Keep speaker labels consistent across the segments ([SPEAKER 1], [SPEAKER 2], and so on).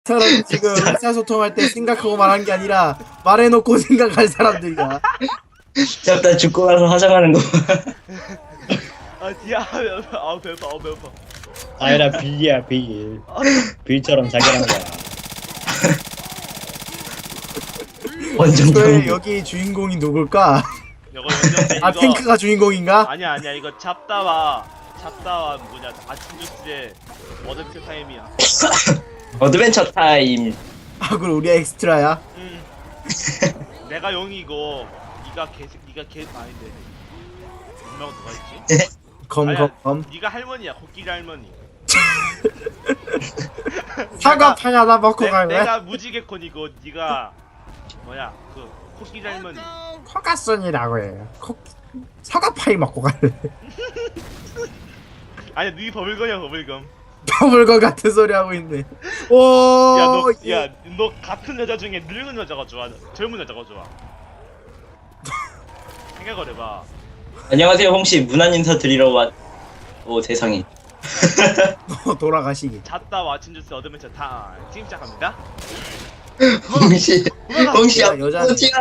[SPEAKER 1] 사람 지금 의사소통할 때 생각하고 말한 게 아니라 말해놓고 생각할 사람들이야.
[SPEAKER 2] 잡다 죽고 나서 화장하는 거.
[SPEAKER 3] 아 디아 아 배고파 배고파.
[SPEAKER 4] 아니라 빌이야 빌.
[SPEAKER 3] 아,
[SPEAKER 4] 빌처럼 자기란 거야.
[SPEAKER 2] 완전
[SPEAKER 1] 왜
[SPEAKER 2] 병.
[SPEAKER 1] 여기 주인공이 누굴까?
[SPEAKER 3] 이거 완전
[SPEAKER 1] 아 탱크가 주인공인가?
[SPEAKER 3] 아니야 이거 잡다와 뭐냐 아침 주스의 어드벤처 타임이야.
[SPEAKER 2] 어드벤처 타임.
[SPEAKER 1] 아 그럼 우리 엑스트라야?
[SPEAKER 3] 내가 용이고 니가 개 아닌데 분명 누가 있지?
[SPEAKER 1] 검검검
[SPEAKER 3] 니가 할머니야 코끼리 할머니.
[SPEAKER 1] 사과 파 하나 먹고 갈래?
[SPEAKER 3] 내가 무지개콘이고 니가 뭐야 그 코끼리 할머니.
[SPEAKER 1] 코가순이라고 해요. 사과 파이 먹고 갈래?
[SPEAKER 3] 아니야 니 버블검이야 버블검.
[SPEAKER 1] 버블건 같은 소리 하고 있네. 오.
[SPEAKER 3] 너 같은 여자 중에 늙은 여자가 좋아 젊은 여자가 좋아? 생각을 해봐.
[SPEAKER 2] 안녕하세요 홍씨 문안 인사 드리러 왔. 오 세상에.
[SPEAKER 1] 돌아가시기.
[SPEAKER 3] 잤다 와친 주스 어드벤처 타임 지금 시작합니다.
[SPEAKER 2] 홍씨 홍씨
[SPEAKER 1] 야, 여자네.
[SPEAKER 2] 아버지야.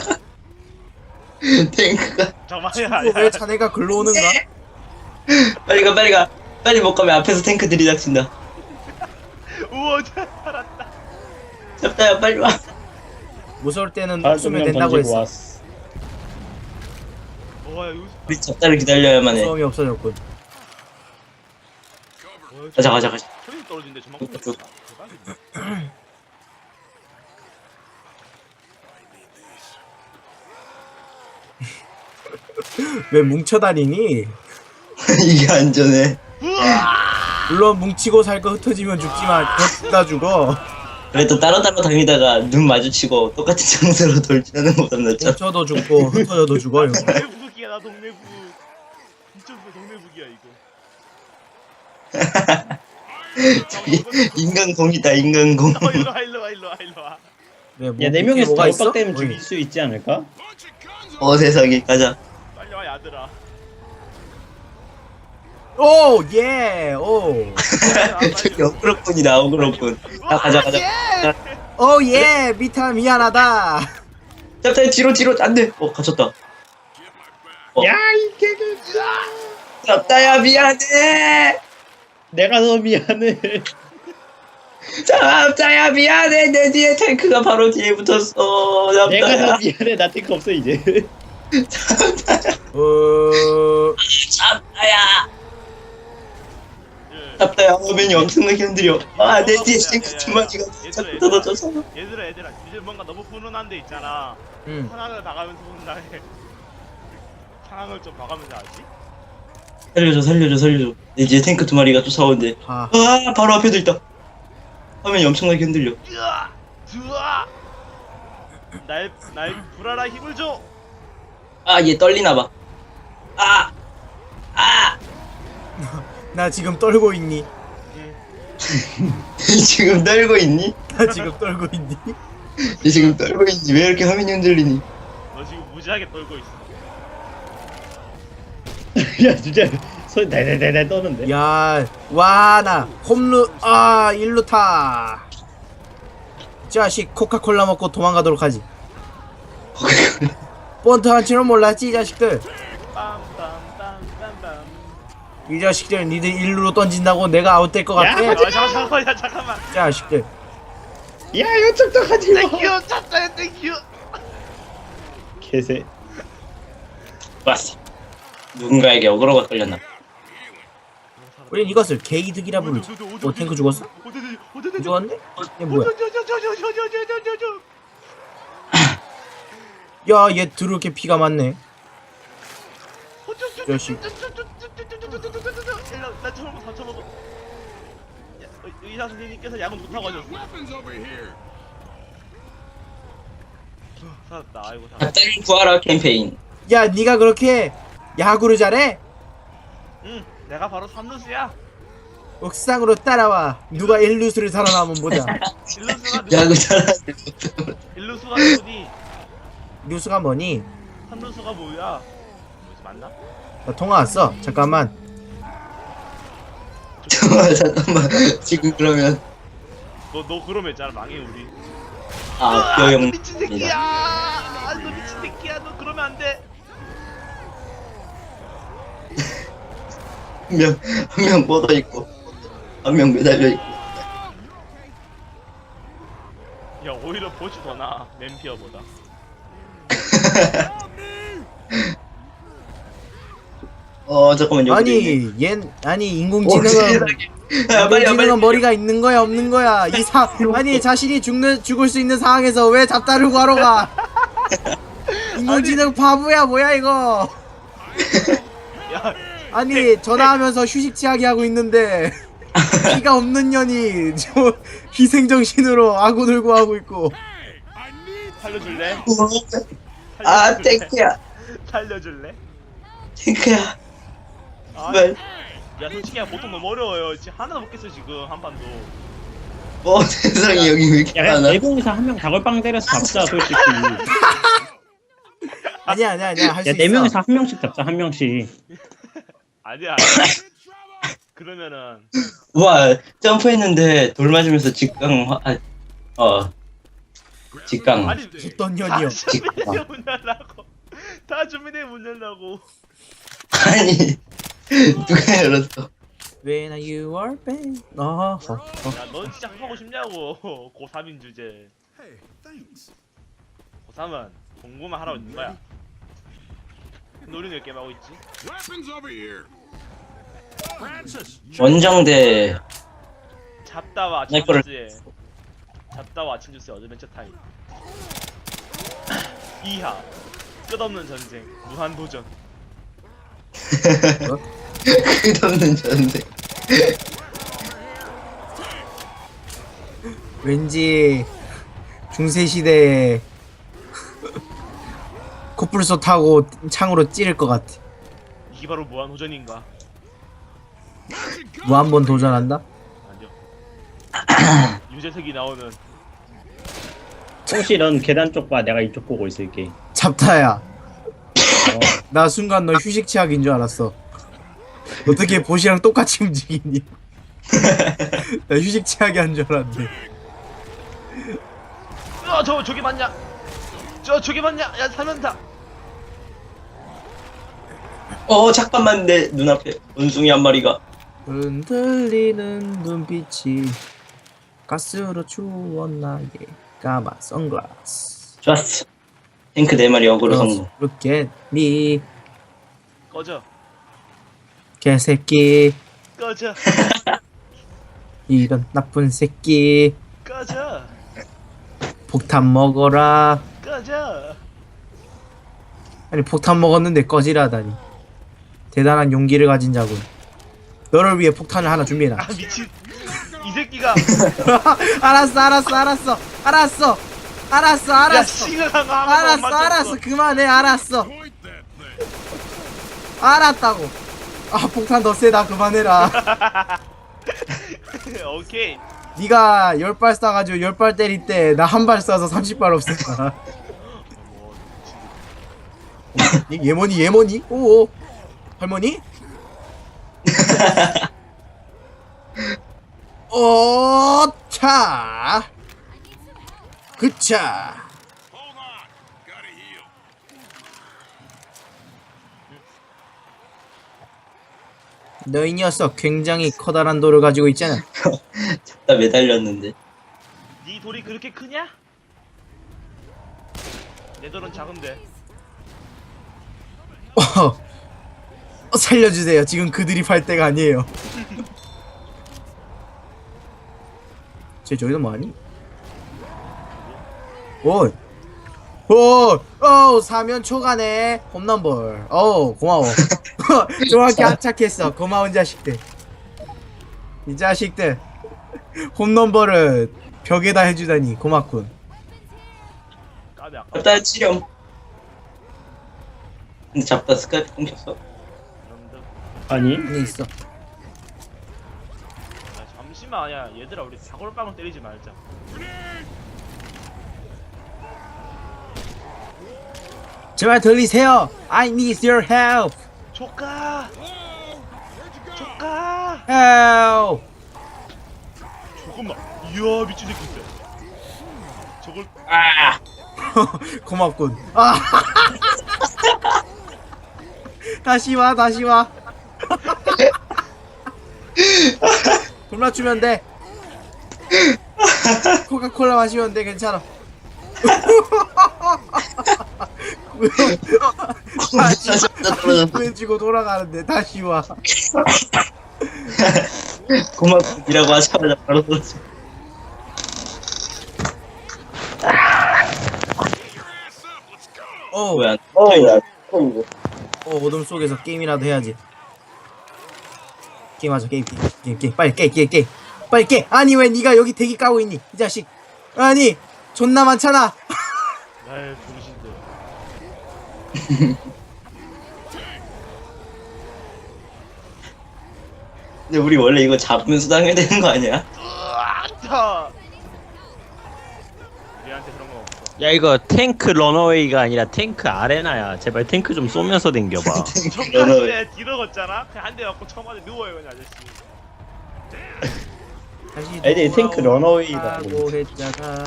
[SPEAKER 2] 탱크가
[SPEAKER 3] 잠깐만요.
[SPEAKER 1] 왜 자네가 글로 오는가?
[SPEAKER 2] 빨리 가 빨리 못 가면 앞에서 탱크 들이닥친다.
[SPEAKER 3] 우와 살았다.
[SPEAKER 2] 잡다야 빨리 와.
[SPEAKER 1] 무서울 때는
[SPEAKER 4] 발
[SPEAKER 1] 웃으면
[SPEAKER 4] 좀
[SPEAKER 1] 된다고
[SPEAKER 4] 던지고
[SPEAKER 1] 했어.
[SPEAKER 4] 왔어.
[SPEAKER 3] 와 여기
[SPEAKER 2] 우리 잡다를 기다려야만 해.
[SPEAKER 1] 무서움이 없어졌군.
[SPEAKER 2] 가자.
[SPEAKER 3] 소리 떨어진대 저만큼.
[SPEAKER 2] 쭉.
[SPEAKER 3] 대박이네.
[SPEAKER 1] 왜 뭉쳐다니니?
[SPEAKER 2] 이게 안전해.
[SPEAKER 1] 물론 뭉치고 살 거 흩어지면 죽지만 그거 죽어.
[SPEAKER 2] 그래도 따로 다니다가 눈 마주치고 똑같은 장소로 돌진하는 것보다 낫잖아.
[SPEAKER 1] 뭉쳐도 죽고 흩어져도 죽어요.
[SPEAKER 3] 동네북이야 나 동네북. 미쳤어 동네북이야 이거.
[SPEAKER 2] 저기 인간공이다 인간공.
[SPEAKER 3] 일로와.
[SPEAKER 1] 네, 뭐
[SPEAKER 4] 야, 네
[SPEAKER 1] 밑에
[SPEAKER 4] 명이서
[SPEAKER 1] 뭐가 있어?
[SPEAKER 4] 다박되면
[SPEAKER 1] 어이.
[SPEAKER 4] 죽일 수 있지 않을까?
[SPEAKER 2] 세상에 가자.
[SPEAKER 3] 빨리 와 야들아.
[SPEAKER 1] 오 예. 오.
[SPEAKER 2] 저기 어그로꾼이다 어그로꾼. 가자.
[SPEAKER 1] 오 예. 미타 미안하다.
[SPEAKER 2] 잡다야 뒤로 안돼. 갇혔다.
[SPEAKER 4] 야, 이 개그.
[SPEAKER 2] 잡다야 미안해.
[SPEAKER 4] 내가 더 미안해.
[SPEAKER 2] 잡다야 미안해. 내 뒤에 탱크가 바로 뒤에 붙었어.
[SPEAKER 4] 내가 더
[SPEAKER 2] 잡다야.
[SPEAKER 4] 미안해. 나 탱크 없어 이제.
[SPEAKER 2] 잡다야. 잡다야 화면이 엄청나게 흔들려. 내 뒤에 탱크 두 마리가 자꾸 떨어져서.
[SPEAKER 3] 얘들아 이제 뭔가 너무 훈훈한 데 있잖아.
[SPEAKER 1] 응.
[SPEAKER 3] 상황을 봐가면서 혼나해. 상황을 좀 봐가면서 알지?
[SPEAKER 2] 살려줘. 내 뒤에 탱크 두 마리가 쫓아오는데.
[SPEAKER 1] 아.
[SPEAKER 2] 바로 앞에도 있다. 화면이 엄청나게 흔들려.
[SPEAKER 3] 으아! 날 불알아 힘을 줘.
[SPEAKER 2] 얘 떨리나봐.
[SPEAKER 1] 나 지금 떨고 있니?
[SPEAKER 2] 지금 떨고 있니?
[SPEAKER 1] 나 지금 떨고 있니?
[SPEAKER 2] 얘 지금 떨고 있니? 왜 이렇게 화면이 흔들리니?
[SPEAKER 3] 너 지금 무지하게 떨고 있어.
[SPEAKER 4] 야, 진짜 손 대대대대 떠는데.
[SPEAKER 1] 야, 와, 나 홈루 일루 타. 자식 코카콜라 먹고 도망가도록 하지. 본트 한 줄은 몰랐지 이 자식들.
[SPEAKER 3] 빰빰빰빰빰.
[SPEAKER 1] 이 자식들 니들 일루로 던진다고 내가 아웃될 것 같아?
[SPEAKER 4] 야,
[SPEAKER 3] 잠깐만.
[SPEAKER 1] 자식들.
[SPEAKER 4] 야, 이쪽도 하지 마.
[SPEAKER 3] 땡큐 찼다 땡큐.
[SPEAKER 4] 개새.
[SPEAKER 2] 왔어. 누군가에게 어그로가 걸렸나?
[SPEAKER 1] 우린 이것을 개이득이라 부르지. 탱크 죽었어? 죽었는데? 얘 뭐야? 야, 얘 드럽게 피가 많네. 자식.
[SPEAKER 3] 나 처음 다쳐먹어. 의사 선생님께서 약은 못하고 하셨어. 살았다. 아이고 살았다.
[SPEAKER 2] 잡다를 구하라 캠페인.
[SPEAKER 1] 야, 네가 그렇게 야구를 잘해?
[SPEAKER 3] 응, 내가 바로 삼루수야.
[SPEAKER 1] 옥상으로 따라와. 누가 일루수를 살아남으면 보자.
[SPEAKER 2] 야구 잘하는.
[SPEAKER 3] 일루수가 누구니?
[SPEAKER 1] 뉴스가 뭐니?
[SPEAKER 3] 삼루수가 뭐야? 뭐지 맞나?
[SPEAKER 1] 나 통화 왔어. 잠깐만.
[SPEAKER 2] 잠깐만 지금 그러면
[SPEAKER 3] 너 그러면 있잖아 망해 우리.
[SPEAKER 2] 아,
[SPEAKER 3] 너
[SPEAKER 2] 여영.
[SPEAKER 3] 미친 새끼야. 너 미친 새끼야. 너 그러면 안 돼.
[SPEAKER 2] 한 명 뻗어 있고, 한 명 매달려 있고.
[SPEAKER 3] 야 오히려 보시 더 나아 맨피어보다.
[SPEAKER 2] 잠깐만, 여기.
[SPEAKER 1] 아니 인공지능은 인공지능은 머리가 있는 거야 없는 거야 아니 자신이 죽을 수 있는 상황에서 왜 잡다르고 하러 가? 인공지능 바보야 뭐야 이거?
[SPEAKER 3] 야
[SPEAKER 1] 아니 전화하면서 휴식 취하게 하고 있는데 피가 없는 년이 저 희생정신으로 아군을 구하고 있고.
[SPEAKER 3] 살려줄래?
[SPEAKER 2] 아, 탱크야.
[SPEAKER 3] 살려줄래?
[SPEAKER 2] 탱크야.
[SPEAKER 3] 아,
[SPEAKER 2] 왜?
[SPEAKER 3] 야 솔직히 보통 너무 어려워요. 지금 하나도 못 깼어 지금 한 판도.
[SPEAKER 2] 세상에, 여기 왜 이렇게
[SPEAKER 4] 야 그냥
[SPEAKER 2] 많아?
[SPEAKER 4] 네 명이서 한 명 다골빵 때려서 잡자 솔직히.
[SPEAKER 1] 아니야 할 수
[SPEAKER 4] 야
[SPEAKER 1] 있어.
[SPEAKER 4] 네 명이서 한 명씩 잡자 한 명씩.
[SPEAKER 3] 아니야. 그러면은
[SPEAKER 2] 와, 점프했는데 돌 맞으면서 직강.
[SPEAKER 3] 아니
[SPEAKER 1] 어떤 년이요?
[SPEAKER 3] 다 준비돼 문 열라고. 다 준비돼 문 열라고.
[SPEAKER 2] 아니, 누가 열었어?
[SPEAKER 1] When you are back. 어허.
[SPEAKER 3] 야넌 진짜 하고 싶냐고. 고3인 주제. 고3은 공부만 하라고 있는 거야. 근데 우리는 왜 게임하고 있지?
[SPEAKER 5] Weapons over here. Francis,
[SPEAKER 2] 원정대.
[SPEAKER 3] 잡다와
[SPEAKER 2] 내 거를-
[SPEAKER 3] 잡다와 아침 주스의 어드벤처 타임. 2하 끝없는 전쟁 무한도전.
[SPEAKER 2] 끝없는 전쟁.
[SPEAKER 1] 왠지 중세시대에 코뿔소 타고 창으로 찌를 것 같아.
[SPEAKER 3] 이게 바로 무한도전인가?
[SPEAKER 1] 뭐 한 번 도전한다?
[SPEAKER 3] 아니요. 유재석이 나오는
[SPEAKER 4] 혹시 넌 계단 쪽 봐. 내가 이쪽 보고 있을게.
[SPEAKER 1] 잡타야. 나 순간 너 휴식 취약인 줄 알았어. 어떻게 보시랑 똑같이 움직이니? 나 휴식 취하게 한 줄 알았는데.
[SPEAKER 3] 저기 맞냐? 저기 맞냐? 야 사면타.
[SPEAKER 2] 잠깐만, 내 눈앞에 원숭이 한 마리가.
[SPEAKER 1] 흔들리는 눈빛이 가스로 추웠나의 까만 선글라스.
[SPEAKER 2] 좋았어. 탱크 4마리 어그로 성공.
[SPEAKER 1] Look at me
[SPEAKER 3] 꺼져.
[SPEAKER 1] 개새끼
[SPEAKER 3] 꺼져.
[SPEAKER 1] 이런 나쁜 새끼
[SPEAKER 3] 꺼져.
[SPEAKER 1] 폭탄 먹어라.
[SPEAKER 3] 꺼져.
[SPEAKER 1] 아니 폭탄 먹었는데 꺼지라다니. 대단한 용기를 가진 자군. 너를 위해 폭탄을 하나 준비해놔.
[SPEAKER 3] 아 미친. 이 새끼가.
[SPEAKER 1] 알았어
[SPEAKER 3] 야 심각한 거 하면
[SPEAKER 1] 알았어 그만해. 알았어
[SPEAKER 5] point that thing.
[SPEAKER 1] 알았다고. 아 폭탄 더 세다. 그만해라.
[SPEAKER 3] 오케이.
[SPEAKER 1] 네가 10발 쏴가지고 10발 때릴 때 나 한 발 쏴서 30발 없앴다. 예머니? 오 할머니? 차 그차.
[SPEAKER 5] Hold on. Gotta heal.
[SPEAKER 1] 너 이 녀석 굉장히 커다란 돌을 가지고 있잖아.
[SPEAKER 2] 잡다 매달렸는데.
[SPEAKER 3] 네 돌이 그렇게 크냐? 내 돌은 작은데.
[SPEAKER 1] 살려주세요. 지금 그들이 팔 때가 아니에요. 쟤 저기서 뭐하니? 사면 초가네. 홈런볼. 고마워. 정확히 안착했어. 고마운 자식들. 이 자식들 홈런볼을 벽에다 해주다니 고맙군.
[SPEAKER 3] 까비 아까.
[SPEAKER 2] 잡다 치렴. 근데 잡다 스카이프 끊겼어.
[SPEAKER 3] 그런데
[SPEAKER 4] 아니?
[SPEAKER 1] 안에 있어.
[SPEAKER 3] 잠시만 아니야. 얘들아 우리 사골빵을 때리지 말자.
[SPEAKER 1] 제발 들리세요. I need your help.
[SPEAKER 3] 조카. 조카.
[SPEAKER 1] Help.
[SPEAKER 3] 잠깐만. 이야 미친 새끼 있어. 저걸
[SPEAKER 2] 아
[SPEAKER 1] 고맙군. 아. 다시 와, 다시 와. 돌 맞추면 돼. 코카콜라 마시면 돼, 괜찮아. 다시 구해주고 돌아가는데 다시 와.
[SPEAKER 2] 고맙이라고 하자마자 바로 떨어져.
[SPEAKER 1] 어,
[SPEAKER 2] 뭐야?
[SPEAKER 1] 어둠 속에서 게임이라도 해야지. 게임하자, 게임. 빨리 깨. 빨리 깨. 아니 왜 네가 여기 대기 까고 있니, 이 자식. 아니 존나 많잖아.
[SPEAKER 3] 나의 분신들.
[SPEAKER 2] 근데 우리 원래 이거 잡으면서 당해야 되는 거 아니야?
[SPEAKER 3] 자. 우리한테 그런 거 없어.
[SPEAKER 6] 야 이거 탱크 런어웨이가 아니라 탱크 아레나야. 제발 탱크 좀 쏘면서 댕겨봐.
[SPEAKER 3] 정말 뒤로 걷잖아. 그냥 한 대 맞고 처음에 누워요 그냥 아저씨.
[SPEAKER 1] 다시
[SPEAKER 4] 애들이 탱크 런어웨이다.
[SPEAKER 1] 돌아오라고 했잖아.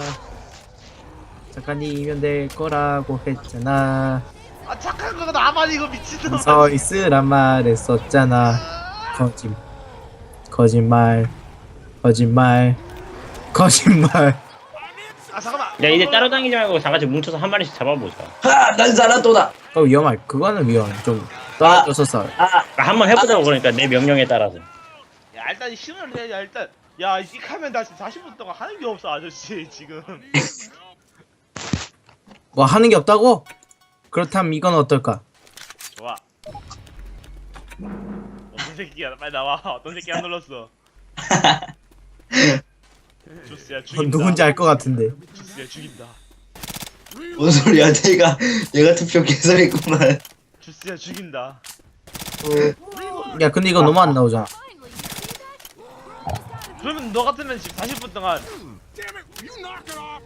[SPEAKER 1] 작가님이면 될 거라고 했잖아.
[SPEAKER 3] 아 착한 거가 나만 이거 미친놈.
[SPEAKER 1] 서 있으란 말했었잖아. 거짓말.
[SPEAKER 3] 아 잠깐만.
[SPEAKER 4] 야 이제 따로 다니지 말고 다 같이 뭉쳐서 한 마리씩 잡아보자.
[SPEAKER 2] 난 살았도다.
[SPEAKER 1] 위험할. 그거는 위험해. 좀 떨어져서 싸워.
[SPEAKER 4] 한번 해보자고 그러니까 내 명령에 따라서.
[SPEAKER 3] 야 일단 신을 해야 일단. 야 이 하면 나 지금 40분 동안 하는 게 없어 아저씨 지금.
[SPEAKER 1] 뭐 하는 게 없다고? 그렇다면 이건 어떨까?
[SPEAKER 3] 좋아. 어떤 새끼야 빨리 나와. 어떤 새끼 안 눌렀어. 주스야 죽인다.
[SPEAKER 1] 누군지 알 것 같은데.
[SPEAKER 3] 주스야 죽인다.
[SPEAKER 2] 뭔 소리야? 내가 투표 개설했구만.
[SPEAKER 3] 주스야 죽인다.
[SPEAKER 1] 야 근데 이거 너무 안 나오잖아.
[SPEAKER 3] 그러면 너 같으면 지금 40분 동안
[SPEAKER 5] Damn it! You knock it off!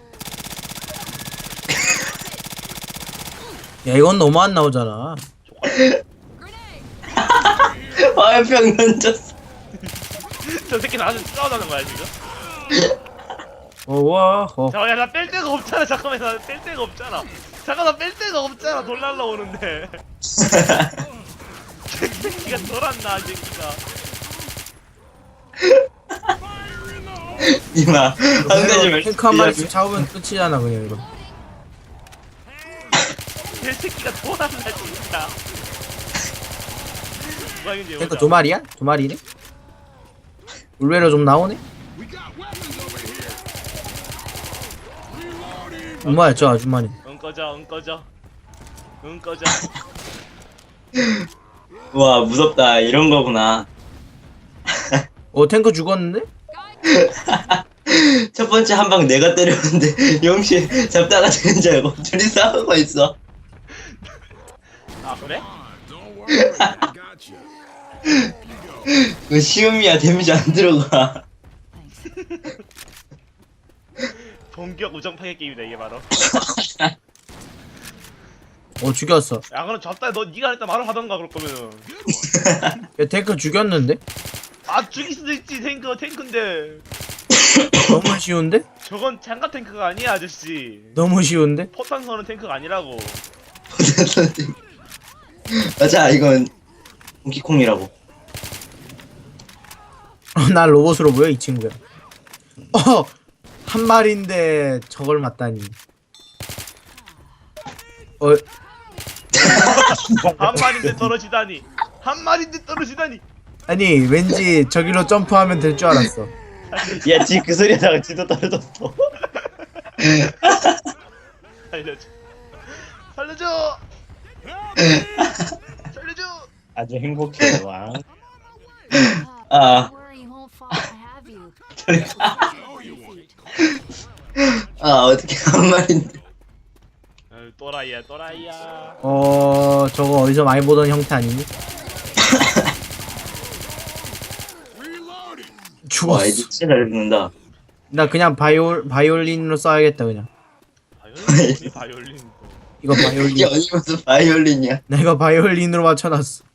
[SPEAKER 1] 야 이건 너무 안 나오잖아.
[SPEAKER 2] 화염병 던졌어.
[SPEAKER 3] 저 새끼 나한테 싸우자는 거야 지금?
[SPEAKER 1] 와.
[SPEAKER 3] 잠깐만 야나 뺄 데가 없잖아. 잠깐만 나 뺄 데가 없잖아. 잠깐 나 뺄 데가 없잖아. 돌 날라오는데. 새끼가 돌았나 이 새끼가.
[SPEAKER 2] 이마 한 가지 말씀.
[SPEAKER 1] 탱크 한 마리씩 잡으면 끝이잖아 그냥 이거.
[SPEAKER 3] 이 새끼가 돌았나 진짜. 누가 이긴지
[SPEAKER 1] 탱크
[SPEAKER 3] 보자.
[SPEAKER 1] 두 마리야? 두 마리네? 의외로 좀 나오네?
[SPEAKER 5] We got weapons over here! Reloading!
[SPEAKER 1] 엄마야 저 아줌마네.
[SPEAKER 3] 응 꺼져.
[SPEAKER 2] 와 무섭다. 이런 거구나.
[SPEAKER 1] 탱크 죽었는데?
[SPEAKER 2] 첫 번째 한 방 내가 때렸는데 영시 잡다가 되는 줄 알고 둘이 싸우고 있어.
[SPEAKER 3] 아 그래?
[SPEAKER 5] Don't worry, I got you.
[SPEAKER 2] 그 시음이야 데미지 안 들어가.
[SPEAKER 3] 본격 우정 파괴 게임이다 이게 바로.
[SPEAKER 1] 죽였어.
[SPEAKER 3] 야 그럼 잡다 너 니가 일단 말을 하던가 그럴 거면은.
[SPEAKER 1] 야 탱크 죽였는데?
[SPEAKER 3] 아 죽일 수도 있지 탱크인데.
[SPEAKER 1] 너무 쉬운데?
[SPEAKER 3] 저건 장갑 탱크가 아니야 아저씨.
[SPEAKER 1] 너무 쉬운데?
[SPEAKER 3] 포탄 서는 탱크가 아니라고.
[SPEAKER 2] 맞아 이건 콩키콩이라고.
[SPEAKER 1] 난 로봇으로 보여 이 친구야. 한 마리인데 저걸 맞다니.
[SPEAKER 3] 한 마리인데 떨어지다니.
[SPEAKER 1] 아니 왠지 저기로 점프하면 될 줄 알았어.
[SPEAKER 4] 야 지 그 소리 하다가 지도 떨어졌어.
[SPEAKER 3] 살려줘.
[SPEAKER 4] 아주 행복해. 와.
[SPEAKER 2] 아. 아 어떻게 한 말인데.
[SPEAKER 3] 또라이야.
[SPEAKER 1] 저거 어디서 많이 보던 형태 아니니?
[SPEAKER 5] Reloading!
[SPEAKER 2] 와
[SPEAKER 1] 죽었어.
[SPEAKER 2] 애들 진짜 잘 듣는다.
[SPEAKER 1] 나 그냥 바이올린으로 써야겠다 그냥.
[SPEAKER 3] 바이올린.
[SPEAKER 1] 이거
[SPEAKER 2] 이게
[SPEAKER 1] 바이올린.
[SPEAKER 2] 어디 무슨 바이올린이야.
[SPEAKER 1] 나 이거 바이올린으로 맞춰놨어.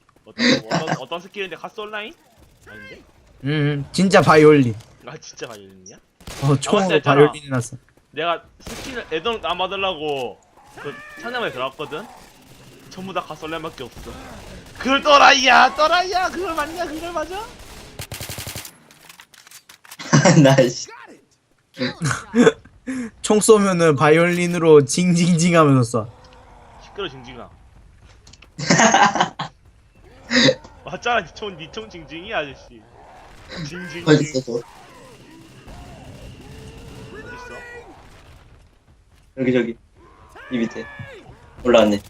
[SPEAKER 3] 어떤 스킬인데 가스 온라인? 아닌데?
[SPEAKER 1] 진짜 바이올린.
[SPEAKER 3] 아 진짜 바이올린이야?
[SPEAKER 1] 총으로
[SPEAKER 3] 했잖아.
[SPEAKER 1] 바이올린 해놨어.
[SPEAKER 3] 내가 스킨을 애동 안 받으려고 그 상점에 들어갔거든. 전부 다 가솔렘밖에 없어. 그걸 떠라이야 그걸 맞냐 그걸 맞아?
[SPEAKER 2] 나이씨.
[SPEAKER 1] 총 쏘면은 바이올린으로 징징징 하면서 쏴.
[SPEAKER 3] 시끄러 징징아. 맞잖아 니총 징징이 아저씨. 징징.
[SPEAKER 2] 어딨어 저?
[SPEAKER 3] 어딨어?
[SPEAKER 2] 저기 이 밑에 올라왔네.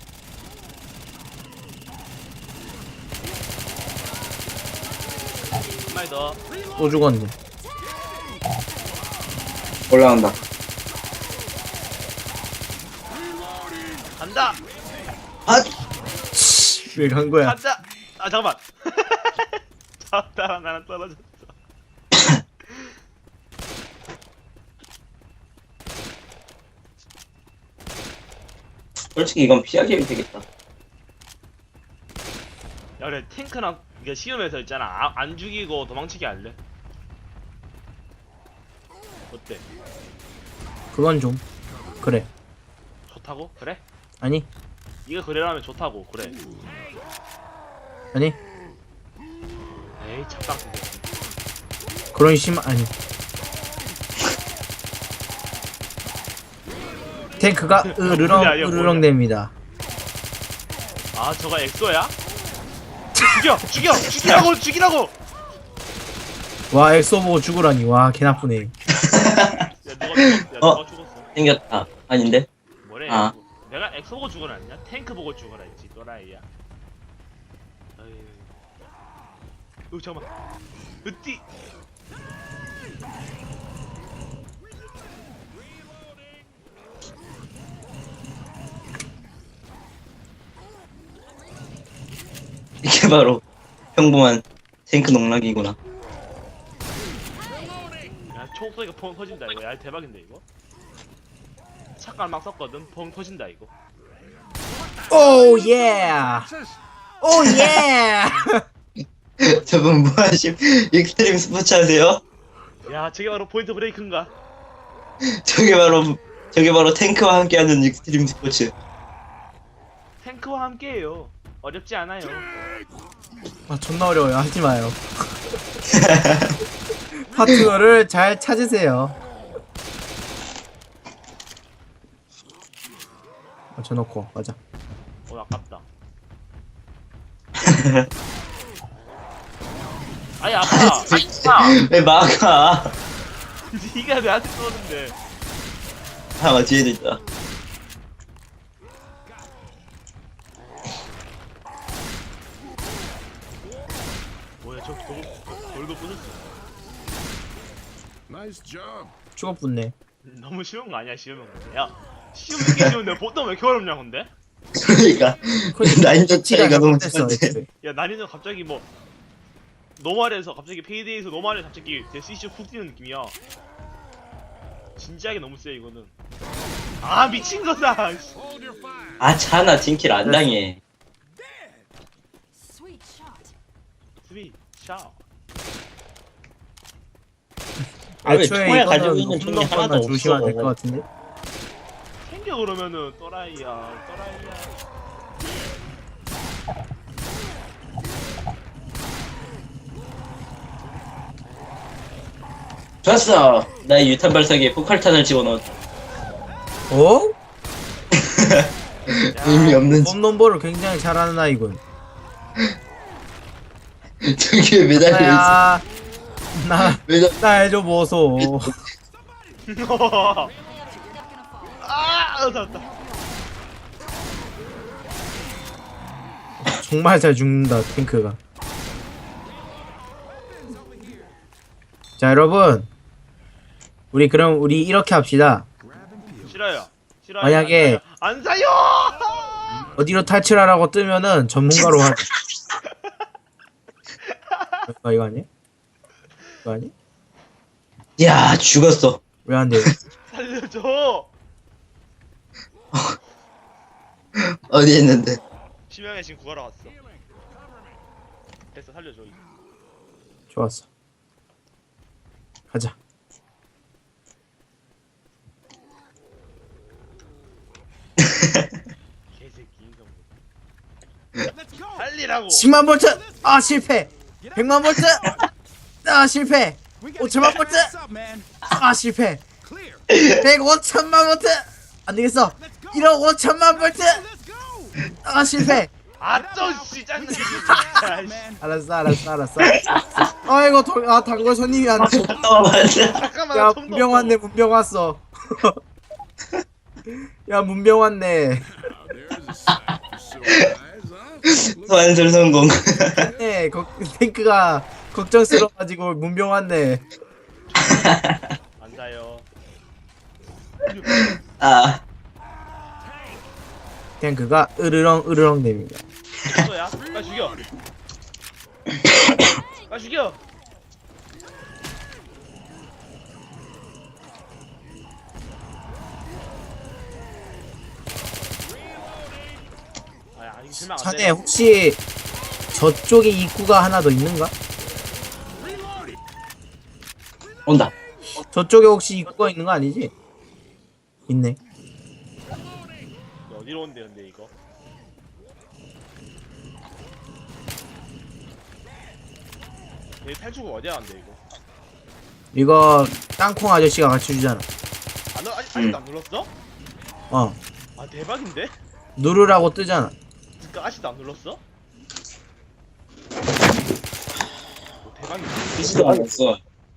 [SPEAKER 3] 한 마리 더.
[SPEAKER 1] 또 죽었네.
[SPEAKER 2] 올라온다.
[SPEAKER 3] 간다.
[SPEAKER 2] 아
[SPEAKER 1] 왜 간 거야?
[SPEAKER 3] 간다. 아 잠깐만. 잡다가 나랑 떨어졌어.
[SPEAKER 2] 솔직히 이건 피하기 되겠다.
[SPEAKER 3] 야 그래 탱크랑 이게 쉬우면서 있잖아. 안 죽이고 도망치기 할래? 어때?
[SPEAKER 1] 그건 좀 그래.
[SPEAKER 3] 좋다고? 그래?
[SPEAKER 1] 아니
[SPEAKER 3] 이거 그래라면 좋다고 그래.
[SPEAKER 1] 아니
[SPEAKER 3] 에이 잡당스.
[SPEAKER 1] 그런 심 아니. 탱크가 으르렁
[SPEAKER 3] 뭐냐, 이거
[SPEAKER 1] 으르렁
[SPEAKER 3] 뭐냐.
[SPEAKER 1] 됩니다.
[SPEAKER 3] 아 저가 엑소야? 죽이라고!
[SPEAKER 1] 와 엑소 보고 죽으라니. 와 개 나쁘네.
[SPEAKER 3] 야 누가 죽었어?
[SPEAKER 2] 생겼다. 아닌데?
[SPEAKER 3] 뭐래?
[SPEAKER 2] 아.
[SPEAKER 3] 내가 엑소 보고 죽으라 했냐? 탱크 보고 죽으라 했지 또라이야. 잠깐만. 으띠.
[SPEAKER 2] 이게 바로 평범한 탱크 농락이구나.
[SPEAKER 3] 야 총소리가 펑 터진다 이거. 야 대박인데 이거. 착각 막 썼거든. 펑 터진다 이거.
[SPEAKER 1] 오 예. 오 예.
[SPEAKER 2] 저분 뭐하심? 익스트림 스포츠 하세요?
[SPEAKER 3] 야 저게 바로 포인트 브레이크인가?
[SPEAKER 2] 저게 바로 탱크와 함께하는 익스트림 스포츠.
[SPEAKER 3] 탱크와 함께해요. 어렵지 않아요.
[SPEAKER 1] 아 존나 어려워요. 하지 마요. 파트너를 잘 찾으세요. 맞춰놓고 맞아.
[SPEAKER 3] 아깝다. 아니 아파.
[SPEAKER 2] 왜 막아?
[SPEAKER 3] 니가 나한테 쏘는데.
[SPEAKER 2] 아 뒤에도 있다.
[SPEAKER 3] 뭐야 저 돌도 부셨어.
[SPEAKER 5] Nice job.
[SPEAKER 1] 죽어붙네.
[SPEAKER 3] 너무 쉬운 거 아니야 쉬우면. 야 쉬우면 게 쉬운데 보통 왜 이렇게 어렵냐 근데?
[SPEAKER 2] 그러니까 난이도 차이가 너무
[SPEAKER 1] 됐어.
[SPEAKER 2] 큰데.
[SPEAKER 3] 야 난이도 갑자기 뭐 노말에서 갑자기 페이데이에서 노말에 갑자기 데스이슈 훅 뛰는 느낌이야. 진지하게 너무 세 이거는. 아 미친 거다.
[SPEAKER 5] Hold your fire.
[SPEAKER 2] 아 차나 딩킬 안 당해.
[SPEAKER 7] Sweet shot.
[SPEAKER 3] 스위 샤.
[SPEAKER 4] 아, 왜
[SPEAKER 1] 애초에
[SPEAKER 4] 총알 가지고
[SPEAKER 1] 이거는
[SPEAKER 4] 있는 총이
[SPEAKER 1] 홈런
[SPEAKER 4] 하나도
[SPEAKER 1] 거나 주시면
[SPEAKER 4] 없어.
[SPEAKER 1] 될 것 같은데.
[SPEAKER 3] 챙겨 그러면은 또라이야.
[SPEAKER 2] 좋았어. 나의 유탄 발사기에 폭발탄을 집어넣었.
[SPEAKER 1] 어?
[SPEAKER 2] 의미 없는 집.
[SPEAKER 1] 홈런볼을 굉장히 잘하는 아이군.
[SPEAKER 2] 저기에 매달려 있어.
[SPEAKER 1] 나야.
[SPEAKER 2] 매달.
[SPEAKER 1] 나 해줘 보소.
[SPEAKER 3] 아, 잡았다.
[SPEAKER 1] 정말 잘 죽는다 탱크가. 자 여러분, 우리 이렇게 합시다.
[SPEAKER 3] 싫어요. 싫어요.
[SPEAKER 1] 만약에
[SPEAKER 3] 안 사요.
[SPEAKER 1] 어디로 탈출하라고 뜨면은 전문가로 하자. 이거 아니야? 이거 아니?
[SPEAKER 2] 야 죽었어.
[SPEAKER 1] 왜 안 돼?
[SPEAKER 3] 살려줘.
[SPEAKER 2] 어디 있는데?
[SPEAKER 3] 심형이 지금 구하러 왔어. 됐어, 살려줘. 이제.
[SPEAKER 1] 좋았어. 가자.
[SPEAKER 3] 빨리라고.
[SPEAKER 1] 10만 볼트 아 실패. 100만 볼트 아 실패. 5천만 볼트 아 실패. 105천만 볼트 안 되겠어. 1억 5천만 볼트 아 실패.
[SPEAKER 3] 아좀 진짜.
[SPEAKER 1] 알았어. 아이고 단골 손님이 왔네.
[SPEAKER 2] 맞아.
[SPEAKER 3] 잠깐만.
[SPEAKER 1] 야
[SPEAKER 3] 좀
[SPEAKER 1] 문병
[SPEAKER 3] 더.
[SPEAKER 1] 왔네. 문병 왔어. 야 문병 왔네.
[SPEAKER 2] 소환술 성공.
[SPEAKER 1] 네 탱크가 걱정스러워가지고 문병 왔네.
[SPEAKER 3] 앉아요.
[SPEAKER 2] 아,
[SPEAKER 1] 탱크가 으르렁 됩니다.
[SPEAKER 3] 또야? 빨리 죽여. 빨리 죽여. 아, 이거 실망 안
[SPEAKER 1] 자네
[SPEAKER 3] 돼.
[SPEAKER 1] 혹시 저쪽에 입구가 하나 더 있는가?
[SPEAKER 2] 온다.
[SPEAKER 1] 저쪽에 혹시 입구가 있는 거 아니지? 있네.
[SPEAKER 3] 어디로 온대 근데 이거? 얘 탈출구 어디야 간대 이거?
[SPEAKER 1] 이거 땅콩 아저씨가 같이 주잖아.
[SPEAKER 3] 아직도 안 눌렀어?
[SPEAKER 1] 어
[SPEAKER 3] 아 대박인데?
[SPEAKER 1] 누르라고 뜨잖아.
[SPEAKER 3] 그니까 아직도 안 눌렀어? 대박인데?
[SPEAKER 2] 비지도 않았어.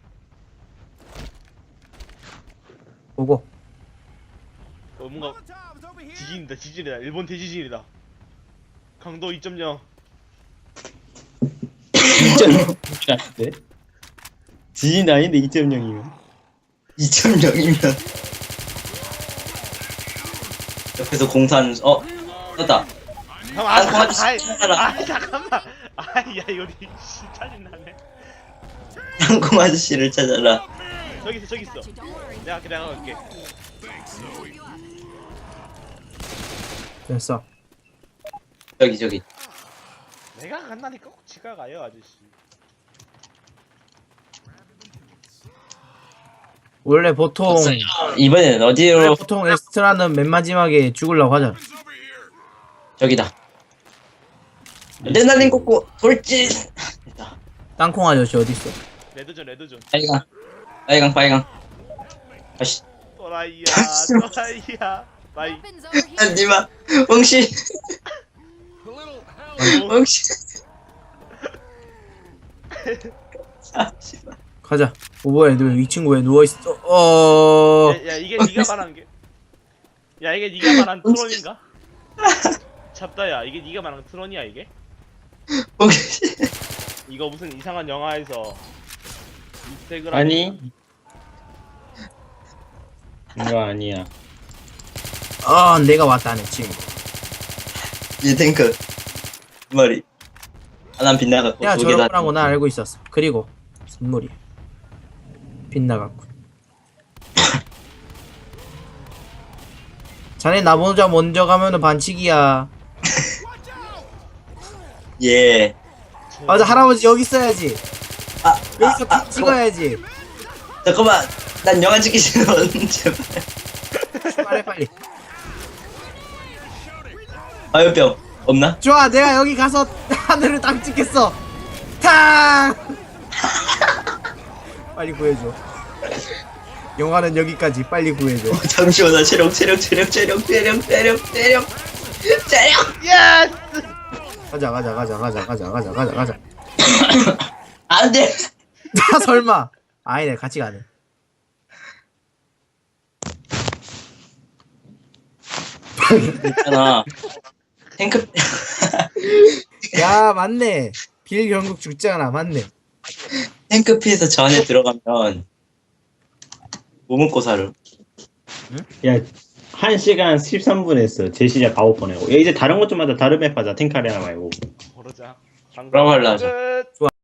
[SPEAKER 1] 보고
[SPEAKER 3] 뭔가 지진이다 일본 대지진이다. 강도 2.0.
[SPEAKER 4] 2.0인데? 지진 아닌데 2.0이면
[SPEAKER 2] 2.0이면 옆에서 공사하는 떴다.
[SPEAKER 3] 잠깐만
[SPEAKER 2] 아이,
[SPEAKER 3] 잠깐만 아야 이거 짜증나네.
[SPEAKER 2] 땅콩 아저씨를 찾아라.
[SPEAKER 3] 저기 있어 내가 갈게.
[SPEAKER 1] 됐어.
[SPEAKER 2] 저기.
[SPEAKER 3] 내가 간다니까 꼭 지가 가요 아저씨.
[SPEAKER 1] 원래 보통
[SPEAKER 2] 이번에는 어디로?
[SPEAKER 1] 엑스트라는 맨 마지막에 죽으려고 하잖아.
[SPEAKER 2] 저기다. 레날린 꽂고 돌진. 됐다.
[SPEAKER 1] 땅콩 아저씨 어디 있어?
[SPEAKER 3] 레드존
[SPEAKER 2] 빨강. 아씨.
[SPEAKER 3] 또라이야
[SPEAKER 2] 잠시만.
[SPEAKER 3] 또라이야 빠이.
[SPEAKER 2] 니마 멍씨. 멍씨. 아, 씨발.
[SPEAKER 1] 가자. 뭐야 이 친구 왜 누워있어?
[SPEAKER 3] 야 이게 네가 말한 게. 야 이게 네가 말한 트론인가? 잡다야 이게 네가 말한 트론이야 이게?
[SPEAKER 2] 멍씨.
[SPEAKER 3] 이거 무슨 이상한 영화에서 이스택을
[SPEAKER 4] 아니 이거 아니야.
[SPEAKER 1] 내가 왔다네 친구.
[SPEAKER 2] 이 탱크 머리. 난 빗나갔고
[SPEAKER 1] 야
[SPEAKER 2] 두 개 다.
[SPEAKER 1] 저렇구나 나 알고 있었어. 그리고 선물이 빗나갔군. 자네 나보자 먼저 가면은 반칙이야.
[SPEAKER 2] 예.
[SPEAKER 1] 맞아 할아버지 여기 있어야지.
[SPEAKER 2] 아,
[SPEAKER 1] 여기서 픽 찍어야지.
[SPEAKER 2] 잠깐만. 난 영화 찍기 싫어. 제발.
[SPEAKER 1] 빨리.
[SPEAKER 2] 화요병 없나?
[SPEAKER 1] 좋아 내가 여기 가서 하늘을 딱 찍겠어. 탕. 빨리 구해줘. 영화는 여기까지. 빨리 구해줘.
[SPEAKER 2] 잠시만 나 체력.
[SPEAKER 3] 예스.
[SPEAKER 1] 가자.
[SPEAKER 2] 안돼.
[SPEAKER 1] 나 설마. 아니네 같이 가네.
[SPEAKER 2] 있잖아. 탱크.
[SPEAKER 1] 야 맞네. 빌 결국 죽잖아. 맞네.
[SPEAKER 2] 탱크피에서 저 안에 들어가면 뭐 먹고 살아?
[SPEAKER 4] 야 1시간 13분 했어. 재시작 9번 하고. 야 이제 다른 것 좀 하자. 다른 맵 하자. 탱크 아레나 말고.
[SPEAKER 3] 그러자.
[SPEAKER 2] 그럼 할라.
[SPEAKER 3] 끝.